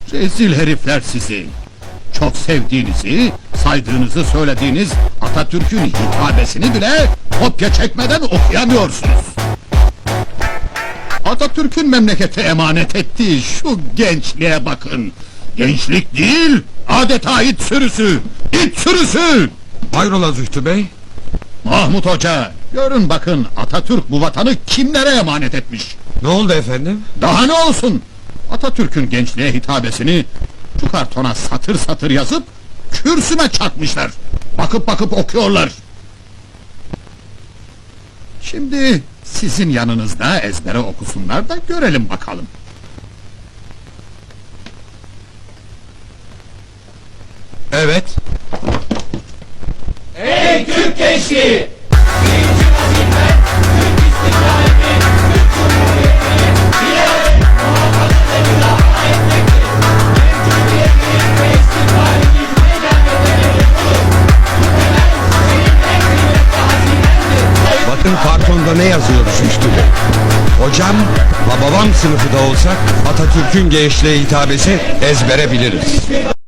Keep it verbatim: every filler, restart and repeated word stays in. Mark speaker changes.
Speaker 1: Rezil herifler sizi! Çok sevdiğinizi, saydığınızı söylediğiniz Atatürk'ün hitabesini bile kopya çekmeden okuyamıyorsunuz! Atatürk'ün memlekete emanet ettiği şu gençliğe bakın! Gençlik değil, adeta it sürüsü! İt sürüsü!
Speaker 2: Hayrola Zühtü Bey?
Speaker 1: Mahmut Hoca, görün bakın Atatürk bu vatanı kimlere emanet etmiş?
Speaker 2: Ne oldu efendim?
Speaker 1: Daha ne olsun? Atatürk'ün gençliğe hitabesini şu kartona satır satır yazıp kürsüme çakmışlar. Bakıp bakıp okuyorlar. Şimdi sizin yanınızda ezbere okusunlar da görelim bakalım.
Speaker 2: Evet.
Speaker 3: Ey Türk gençliği!
Speaker 2: Bakın kartonda ne yazıyor Zühtü Bey? Hocam, babam sınıfı da olsak Atatürk'ün gençliğe hitabesi ezbere biliriz.